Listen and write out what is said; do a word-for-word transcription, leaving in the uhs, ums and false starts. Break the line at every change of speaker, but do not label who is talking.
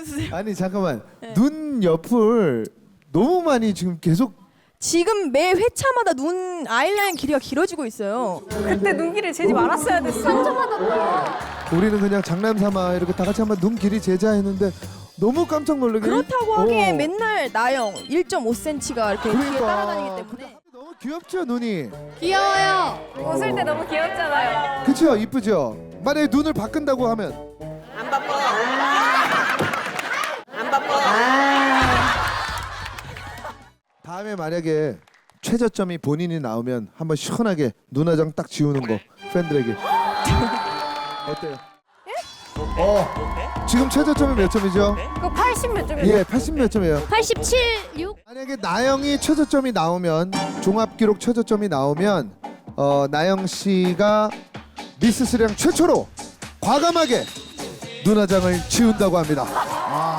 해주세요.
아니 잠깐만 눈 옆을 너무 많이 지금 계속
지금 매 회차마다 눈 아이라인 길이가 길어지고 있어요.
그때 눈길을 재지 말았어야 됐어.
우리는 그냥 장난삼아 이렇게 다 같이 한번 눈 길이 재자 했는데 너무 깜짝 놀라게
그렇다고
어.
하기엔 맨날 나영 일 점 오 센티미터가 이렇게 뒤에
그러니까.
따라다니기 때문에.
너무 귀엽죠 눈이.
귀여워요.
웃을 때 너무 귀엽잖아요.
그쵸 이쁘죠. 만약에 눈을 바꾼다고 하면
안 바빠. 안 바빠.
다음에 만약에 최저점이 본인이 나오면 한번 시원하게 눈화장 딱 지우는 거 팬들에게 어때요? 어 지금 최저점이 몇 점이죠?
그거 팔십 몇 점이에요?
예 팔십 몇 점이에요.
팔십칠, 육.
만약에 나영이 최저점이 나오면 종합 기록 최저점이 나오면 어, 나영 씨가 미스 스랑 최초로 과감하게 눈화장을 지운다고 합니다.